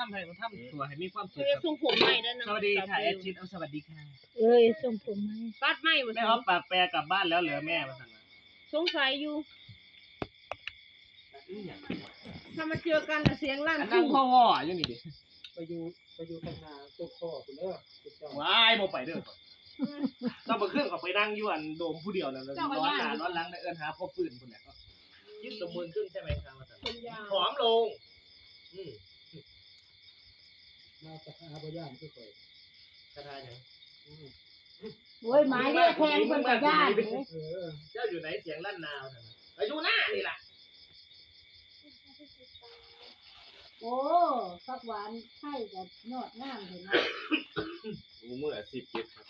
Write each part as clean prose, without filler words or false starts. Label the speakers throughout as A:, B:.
A: ำให้เขาทำตัวให้มีความสุข
B: จะส่งผมใหม่แล้วนะ
A: สวัสดีค่ะแอดชิดสวัสดีค่ะ
C: เอ้ยส่งผมไหม
B: ปัดใหม่มา
A: แม่ออฟปากแปรกลับบ้านแล้วเหรอแม่มาสั่ง
B: สงสัยอยู่ถ้ามาเจอกันเสียงลั่น
A: อันนั่งพ่อว่ออยู่นี่ดิ
D: ไปอยู่ข้างหน้าตัวข้อคุณเด้อคุณเจ้า
A: ว้ายบ่ไปเด้อต้องมาเครื่องกับไปนั่งอยู่อันโดมผู้เดียวนั่นร้อนหนาร้อนหลังได้เอิ้นหาพ่อปืนคนไหนก็ยึดสมบูรณ์ขึ้นใช่ไหมครับมาสั่ง
B: ผมยาว
A: ผอมลง
D: มาจากหาบ่ย่านคือข่อย
A: กระทายัง
C: โอ้ยหมายเรียกแทงคนกับญาติ
A: เจ้าอยู่ไหนเสียงลั่นนาวสั่งอยู่หน้านี่ล่ะ
C: โอ้ฟักหวานไข่กับยอดงามเลยนะ
E: เมื่อ10เก็บครับ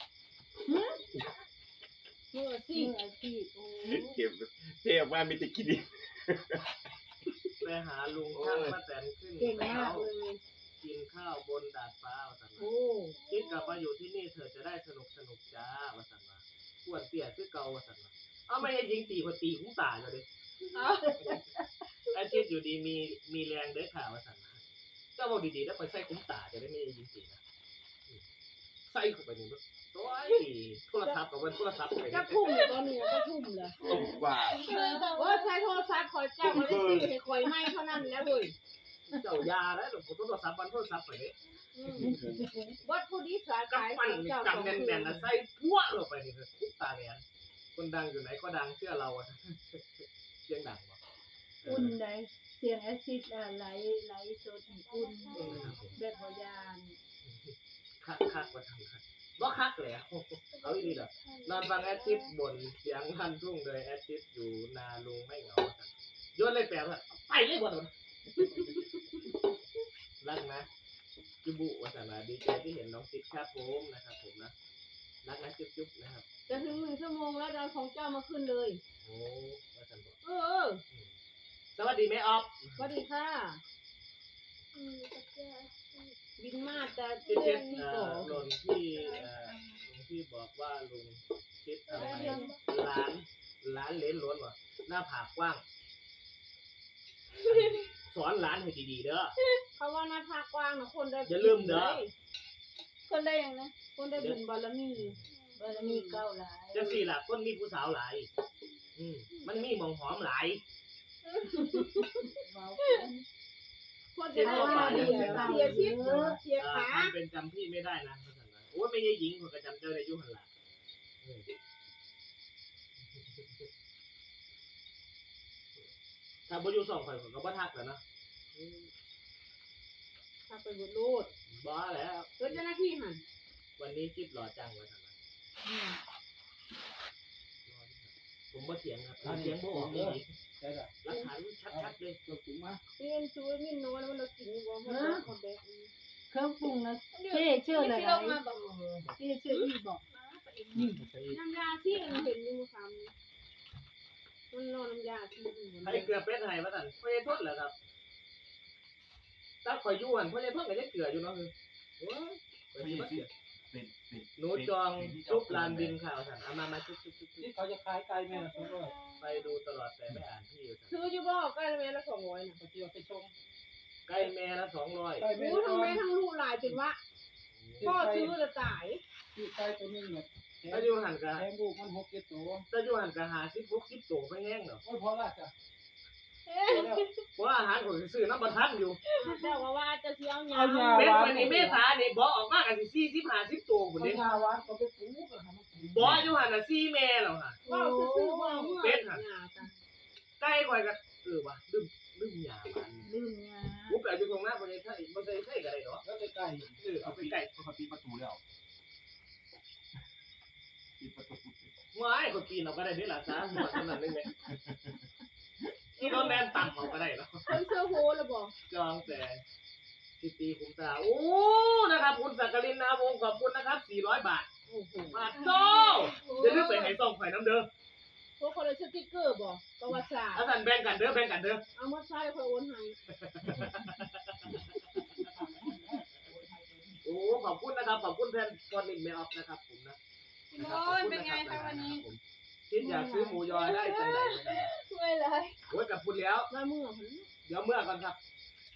B: เมื่อสิ
C: นี่อาชีพโอ้
E: เก็บเทออกมามีแต่กินดิ
A: ไปหาลุงช่างป้าแตนขึ้น
B: เก่งมากเลย
A: กินข้าวบนดาดฟ้าสั่ง
B: โอ้
A: คิดกลับมาอยู่ที่นี่เธอจะได้สนุกจ้าว่าสั่งมาปวดเตี้ยคือเก่าว่าสั่งมาเอาไม่ให้ยิงตีคนตีคุ้มตาเลย อาชีพอยู่ดีมีแรงเด้อข่าวว่าสั่งมาเจ้าบอกดีๆแล้วไปใส่คุ้มตาจะได้ไม่ยิงตีนะใส่เข้าไปนี่โอ้ยโทรศัพท์กับวันโทรศัพท์ไป
B: จะทุ่มเลยตอนนี้จะทุ่มเลย
E: ตกกว่า
B: ว่าใช้โทรศัพท์คอยเจ้าไม่ได้ซื้อให้คอยไม่เท่านั้นแล้วเลย
A: เจ้ายาแล้วหลวงพ่อโทรศัพท์วันโทรศัพท์ไปเลย
B: วัดผู้ดีสาย
A: กับ
B: ขาย
A: ปั้น
B: เจ้า
A: จำแน่นๆนะใส่พัวลงไปนี่คือคุ้มตาแดงคนดังอยู่ไหนก็ดังเชื่อเราอะเสียงดังวะ
C: อุ่นได้เสียงแอซิดไหลสดอุ่นแบบพยาน
A: คักว่าทำคักบ่คักเลยเอาอีกทีเหรอนอนฟังแอดชิปบ่นเสียงลั่นทุ่งเลยแอดชิปอยู่นาลุงไม่เหงาโยนเลยแปลว่าไปเลยบ่โดนรักนะจุบุวัฒนาดีใจที่เห็นน้องชิปครับผมนะครับผมนะรักนะจุ๊บๆนะครับ
B: จะถึง1 ชั่วโมงแล้วเราของเจ้ามาขึ้นเลย
A: โอ้วัฒนบอก
B: อ
A: สวัสดีแม่ออฟ
B: สวัสดีค่ะบินมาแต่
A: ชิด
B: เดื
A: ชิ
B: อ
A: ด
B: นที่ก่อ
A: หล่นที่ลุงที่บอกว่าลุงชิดอะไรร้านเลนล้วนวะหน้าผากกว้างสอนร้านให้ดีๆเด้อ
B: เขาว่าหน้าผากกว้างนะคนได้
A: อย่าลืมเด้อ
C: คนได้ยังนะ
B: คนได้บุญบารมี
C: บารมีเก้าหลาย
A: จังสี่ล่ะคนมีผู้สาวหลายมันมีหมองหอมหลาย
C: เว้า
B: คนจะได้ว่าเสียชีพเสียขา
A: ทำเป็นจำพี่ไม่ได้นะโอ้ยไม่ใช่หญิงคนกระจำเจ้าในยุหันหลังถ้าบ่อยู่สองคนก็บ่ทักแล้วนะ
B: ถ้าไปบุญรูด
A: บ้าแล้ว
B: เกิดเจ้าหน้าที่หัน
A: วันนี้คิดหล่อจังวะท่านผมบ่เถียงครับเถียงบ่ออกนี่
D: ได้ล่ะ
A: หลักฐานชัดๆเลย
D: ตัวถุงมา
B: เรียนช่วยมินโนแล้วมันเรากินอยู่บ่มันคนแบก
C: เครื่องปรุงนะเชื่ออะไรเชื่ออีบอก
B: น้ำยาที่เห็นอยู่คำมันรอน้ำยาที่
A: ใครเกลือเป็ดให้มาท่านพ่อใหญ่ทนเหรอครับถ้าข่อยอยู่หันพ่อใหญ่ทนก็จะเกลืออยู่เนาะคือโอ้ยหนูจองซุปลานดินข่าวท่านเอามาซุป
D: ที่เขาจะขายไก่แม่ละ200
A: ไปดูตลอดแต่ไม่อ่านที่อยู่
B: ซื้ออยู่บ่ใกล้แม่ละ200น่ะ
D: เขาเจียวไปชง
A: ใกล้แม่ละ200
D: ไก่แม่
B: โอ้ทั้งแม่ทั้งลูกหลายจนว่าพ่อซื้อจะตาย
D: ที่ไก่ตัวนึงเนี่ย
A: ถ้าอยู่หันก็
D: แทงลูกมัน6-7ตัว
A: ถ้าอยู่หันก็50-60ตัวไปแห้งเนาะ
D: โอ้ยพอละจ้ะ
A: เพราะอาหารข่อยซื้อน้ำบ่ทันอยู่
B: เจ้าว่าจะเสียวยา
A: เป็ดวันนี้เมษานี่บ่ออกมากันสิ40-50ตัวพุ่น
D: เขา
A: เด้
D: ยาหวานเขาไปปลูกแล้วมันปลูก
A: บ่อยู่หันน่ะ4แม่แล้วค่ะ
B: ว่าซื้อบ่เมื่อจ้ะ
A: ใกล้ข่อยก็ว่ะลืมหยามัน
C: ลืมยา
A: กูแปลอยู่ตรงหน้าบ่ได้ใช่บ่ได้ใช่ก็ได้เนาะ
D: แล้วไปไก่
A: เอาไปไก่
E: เขาปิดประตูแล้วปิดประตู
A: ว้ายคนปีนเอาก็ได้เด้ล่ะซะหัวเท่านั้นนึงแม่ที่รถแล่นต่ำเอาก็ได้เนาะ
B: คนเสื้อโฮแล้วบ่
A: จองแต่สิตีคุ้มตาโอ้นะครับคุณสักกลินนาวงศ์ขอบคุณนะครับ400 บาท
B: โอ้โห
A: บาทโตอย่าลืมไปให้ส่องไฟน้ำเด้อ
B: พวกคนเลยสติ๊กเกอร์บ่ประวัติศาสตร์
A: อาจารย์แบ่งกันเด้อแบ่งกันเด้อ
B: เอามาใช้คอยโอนให้
A: โอ้ขอบคุณนะครับขอบคุณแทนคอนนิงเมออฟนะครับผมนะ
B: โอ้ยเป็นไงคะวันนี้
A: คิดอยากซื้อหมูยอได้จังได๋
B: ช่วยเลย
A: โอ้ยกับคุณแล้ว
B: มาเมื่อ
A: เดี๋ยวเมื่อก่อนครับ
B: โอเค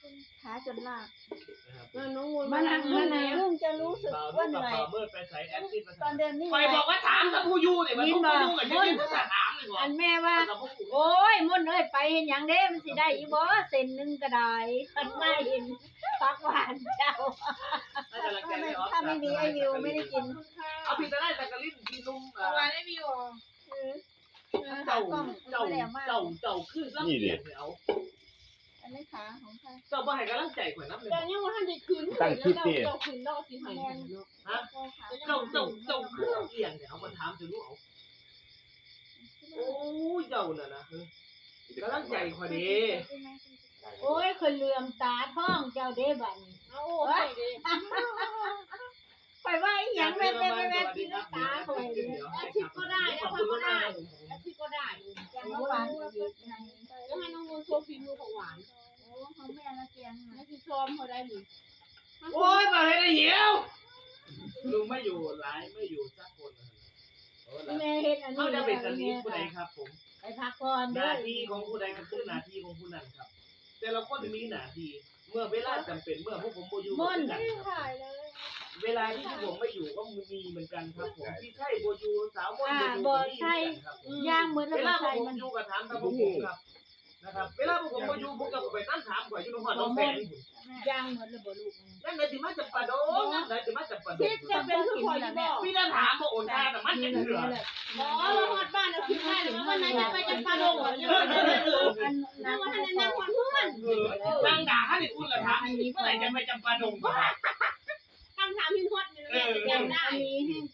C: ขาจนลาก
A: นะครับ
B: น้องมน
C: มานั่งลุงจะรู้สึก
A: บ่าว
C: ว่า
A: นุ่
C: เห
A: กับ
C: นื่อย
A: บ่าวมืดไปใส่แอดซิดมา
C: ตอนเดือนนี้
A: คอยบอกว่าถามกับผู้อยู่เนี่ยมันผู้อยู่กับยืนถามเลยบอก
C: อันแม่ว่า โอ้ยมุ่นเอ้ยไปเห็นหยังเด้มันสิได้อีบ่เส้นหนึงก็ได้คันไม่เห็นปักหวานเจ้าถ้าไม่มีไอวิวไม่ได้กิน
A: เอาพี่จะได้แต่กระลิ่นพี่นุ่ม
B: เอาไว้ได้วิวอ่ะ
A: เจ้าคือรับเกียรติเอา
C: อันนี้ขาของใคร
A: เจ้าบ่ให้กำลังใจข่อยน้ำเลย
B: แต่ยังว่าท่านได้คืนแล้วเราคืนนอกสิหาย
A: ฮะเจ้าคือเอียงเนี่ยเอามาถามจะรู้เอาโอ้ยเจ้าน่ะนะกำลังใจข่อยดี
C: โอ้ยคนเหลื่อมตาท้องเจ้าเด้บัดนี้
B: เอาโอ้ยดิ
C: ไปว่าอีหยังแม่กินตาข่อย
B: อาทิตย์ก็ได้แล้วพักก็ได้อาทิตย์ก็ได้
C: จังหวานอีกไง
B: แล้วให้น้องมนโชว์ฝีมือของหวาน
C: โอ้ของแม่ละเกียง
B: แล้วคือซ้อมเขาได้หรือ
A: โอ้ยมาให้ได้เหี่ยวลุงไม่อยู่หลายไม่อยู่สักคนเลย
C: แม่เฮ็ดอันนี้
A: เขาจะเป็นกะลีผู้ใดครับผม
C: ไปพักก่อน
A: ห
C: เด้
A: น้า
C: อ
A: ที่ของผู้ใดก็คือหน้าที่ของผู้นั้นครับ แต่ละคนมีหน้าที่เมื่อเวลาจำเป็นเมื่อพวกผมบ่อยู่ก็คือกันครับเวลาที่ผมไม่อยู่ก็มีเหมือนกันครับผมที่ใช่บ่อยู่สาวมนต์บ่อยู่ก็มีเหมือนกันครับ
C: ย่างเหมือน
A: เว
C: แล้ว
A: ลา
C: ใส่
A: ผม
C: มัน
A: อยู่กับถามกับผมครับนะครับเวลาผมบ่อยู่ผมก็ไปนั่งถามข่อยอยู่ในห้องน้องแสง
C: ย่างเหมือนแล้วบ่ลูก
A: นั่นเลยสิมาจับปลาโดงนั่นเลยสิมาจับปลาโด
B: ทิ
A: ง
B: ศจะเป็นคือคอยบอก
A: พี่นั่นถามว่าโอนค่าแต่มันจะเถื่อ
B: อ๋อเราหอดบ้านเราคิดได้หรือว่าวันนั้นจะไปจับปลาดงเหรอยังไม่ได้นั่งวันนั้นนั่งวันเพื่อน
A: นางด่าให้คุณละถามเมื่อไหร่จะไปจับปลาโดง
B: คำถามพินฮอดเนี่ยจำได้
C: อันนี้ให้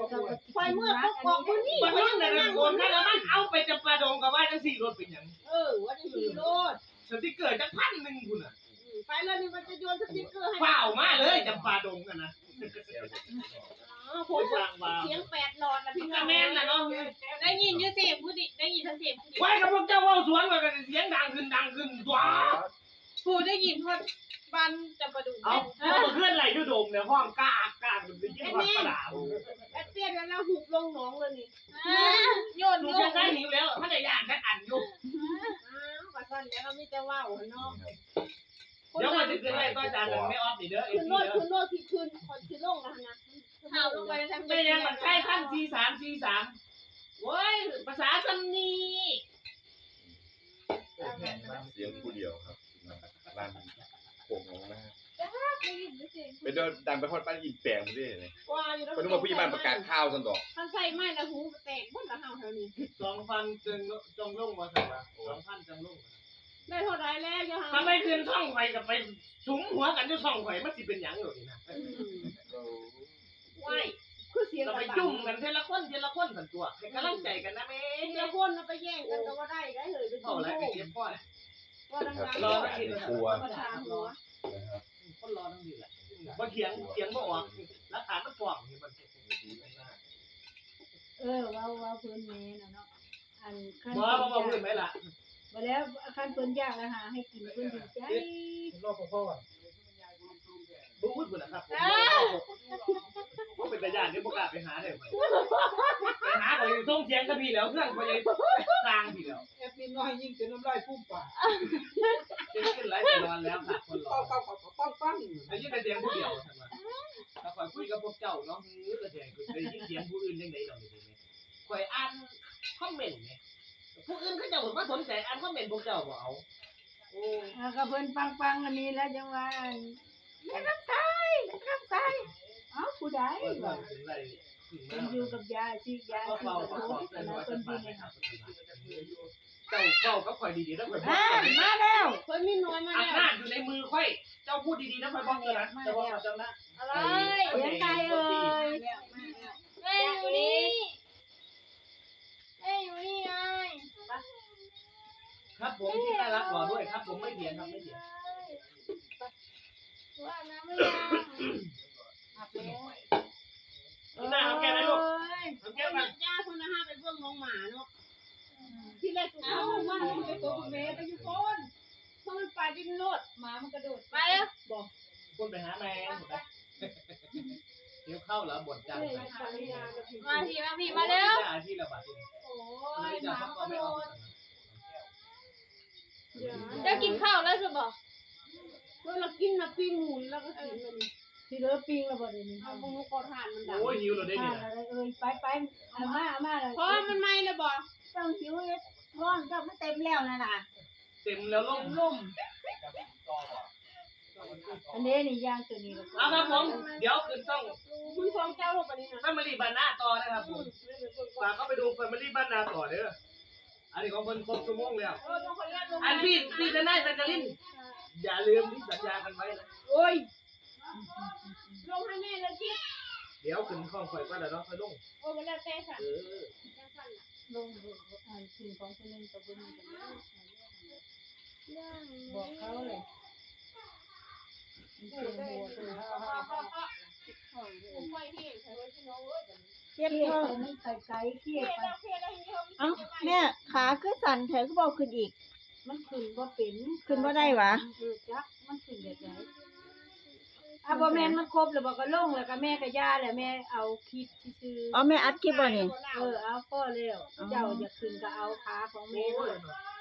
B: คอยเมื่อพวกบอกคนนี้
A: มัน
B: ว่า
A: นั่งใน
B: นั่ง
A: โอนค่าแล้วมันเอาไปจับปลาโดงกับว่าทั้ง4รถเป็นอย่าง
B: ว่าจะขี่รถ
A: สติ๊กเกอร์จะ1,000คุณอ่ะ
B: ไปเลยนี่มันจะโยนสติ๊กเกอร์ให้
A: เปล่ามาเลยจับปลาโดงกันนะ
B: ผมเสียง8หลอดนะพี่
A: กระแมนนะเนาะ
B: ได้ยินยูเสียงผู้ดิได้ยินทั้งเสียงผู้ดิ
A: ไว้กับพวกเจ้าว่าสวนกันเสียงดังขึ้นว้า
B: ผู้ได้ยินฮอดบ้านจะประดู
A: เอาเพื่อนไหลยูโดมเนี่ยห้องกล้ามันเป็นยิ่งกว่าปลา
B: แอดเตี้ยแล้วเราหุบลงหนองเลยนี่โยน
A: ดู
B: ล
A: จะ
B: ง
A: ได้หิวแล้วถ้าจะย่างกันอันอยู่
B: ปัจจุบันแล้วเราไม่จะว่าเนาะ
A: เดี๋ยวมันจะขึ้นไล่ต้อยจานหนึ่งไม่ออฟดิเด้อเอ
B: คื
A: ฟ
B: น
A: ซี
B: โลด
A: เด้อ
B: คืนโลดที่คืนคนคือลงนะนะข่าวลงไปทำ
A: ไม่ยังมันใกล้ขั้นC3 โว้ยภาษาซันนี
E: เสียงผู้เดียวครับบ้านโป่งของหน้าไปเดินดังไปทอดบ้านอินแปลงมาด้วยเลย
B: ว่าอยู่แล้ว
E: ก็นึกว่าผู้ใหญ่บ้านประกาศข้าวสันดอก
B: ท่านใส่ไม้ละหูแตกบนละเฮาแถวนี้
A: 2,000จงลงมาสั่งว่า2,000จงลง
B: ได้เท่าไรแล้วยัง
A: ถ้าไม่ขึ้นช่องไฟกับไปสุมหัวกันอยู่ช่องไฟมันสิเป็นหยังอยู่นี่นะว้าย
B: คือเสียง
A: เราไปยุ่งกันเทละคนสันตัวให้กำลังใจกันนะแม่
B: เจ้าคนไปแย่งกันก็ว่าได้ได้เลยเป็น
A: เท่าไรไปเก็บพ่อแหละ
B: ว่าดัง
A: รอ
B: ๆ
A: ไม่กิน
E: กลัว
B: ประชาหัว
E: นะครับ
A: คนรอทั้งดีแหละบ่เถียงบ่ออกหลักฐานมันฟ้องนี่มัน
C: ว่าเพิ่นแม่น่ะเนาะอันคัน
A: บ่พูดไหมล่ะ
C: บ่แล้วคันเพิ่นอยากอาหารให้กินเพิ่นดีใจ
D: รอบพ่อ
A: บ่พูดพุ่นนะครับผมเป็นตาญาตินี่บ่กล้าไปหาเลยไปหาก็อยู่ส่งเสียงกับพี่แล้วเครื่องก็ยังสร้างพี่แล้ว
D: แอดมินน้อยยิ่งจนน้ำลายพุ่งปาก
A: เป็นขึ้นไลฟ์ไปนอนแล้วค่ะคนรอ
D: ปั้ง
A: ได้ยินแต่เสียงผู้เดียวซั่นว่าถ้าข่อยคุยกับพวกเจ้าเนาะก็เสียงได้ยินเสียงผู้อื่นจังได๋ดอกนี่แม่ข่อยอ่านคอมเมนต์แม่ผู้อื่นเขาเจ้าบ่สนใจอ่านคอมเมนต์พวกเจ้าบ่เอาโอ้
C: ก็เพิ่นปังๆอันนี้แล้วจังว่าแม่น้ำตายเอ้าผู้ใด
A: เพิ่น
C: ว่า
A: ถึงได้ถึง
C: เพิ่
A: มาน
C: อยู่กับยายสิยาย
A: ก็
C: สิ
A: เฝ้า
C: กับ
A: ก็
C: ทุ
A: ขอก
C: ข์
A: เพิ่น
C: นะ
A: ว่า
C: เพิ่
A: เพิ่
C: น
A: น
C: ดี
A: ดี
C: นะ
A: นะครับเจ้าก็ข่อยดีๆแล้วข่อยบอก
C: มาแล้ว
B: เพิ่นมีน้อยมา
A: อำ
B: แล้ว
A: นาจอยู่ในมือข่อยเจ้าพูดดีๆนะข่อยบอกเจ้านะเจ้าบอกเจ้านะ
B: อะไร
C: เลี้ยงไก่เอ้ย
B: แม่อยู่นี่แม่อยู่นี่ไง
A: ครับผมที่น่ารักรอด้วยครับผมไม่เถียงครับไม่เถียง
B: ว่าน้ำไม่ยัง
A: นี่หน้าเอาแก้ไหมลูกเอาแก้
B: แก้
A: ไหม
B: ย่าคนนะฮะไปเบิ่งน้องหมาเนาะที่แรกตัวเขาว่าไปตัวคุณแม่ไปอยู่คนเพราะมันไปดิ้นโลดหมามันกระโดดไปแล้วบอก
A: พูดไปหาแมงเดี๋ยวเข้าแล้วบ่นจัง
B: มาพี่มาแล้ว
A: อาชีพละบาท
B: โอ้
A: ไม่
B: ยห
A: จะ
B: มา
A: เขา
B: มัน
A: ก็
B: กระ
A: ไม่
B: โด
A: เอา
B: ดจะกินข้าวแล้วใช่ปะเรากินนะปิ้งหมูแล้วก็กินมัน
C: ที่เหลือปิ้งแล้วบ่ได้นี่
B: เอาหมูกระทานมันดัง
A: โอ้ยหิวเราได้
C: ทา
A: นี่
C: น
A: นะ
C: อะไรไปเอามาเลย
B: เพราะมันไหม้แล้วบ่
C: ต้องหิวเลยร้อนก็มันเต็มแล้วนั่นน่ะ
A: เต็มแล้วล่ม
C: ล่มอันนี้นี่ย่างตัวนี้แล้ว
A: เอาครับผมเดี๋ยวคืนต้อง
B: มึงฟ้องเจ้าลงไปนี่นะ
A: แฟมิลี่บ้านนาต่อนะครับผมฝากเข้าไปดูแฟมิลี่บ้านนาต่อเด้ออันนี้ของคนครบชั่วโมงแล้ว
B: ต้องคนแรกลง
A: อันพี่ทนายสัจจรินอย่าลืมที่สัญญากันไว้นะ
B: โอ้ยลงให้แม่เลยคิด
A: เดี๋ยวขึ้นข้องข่อยก็แล้วเนาะค่อยลง
B: โอ้ยมันแล้วแต่ค่ะ
C: ลงอ่านสิ่งของคนนึงกับคนนึงบอกเขาเลย
B: เจ็บ
C: เครียด
B: ท้อง
C: ไปมันไกลเครียดไป
B: เอ้าแม่ขาคือสั่นแถวก็บอกขึ้นอีก
C: มันขึ้นบ่เป็น
B: ขึ้นบ่ได้หวะ
C: จักมันขึ้นแบบไหนบ่แม่นมันครบแล้วบ่ก็ลงแล้วก็แม่ก็ย่าแล้วแม่เอาคลิปซื่อ
B: อ๋อแม่อัดคลิปบ่นี่
C: เอาพ่อแล้วเจ้าอย่าขึ้นก็เอาขาของแม่
A: โอ้
C: ด้วย ย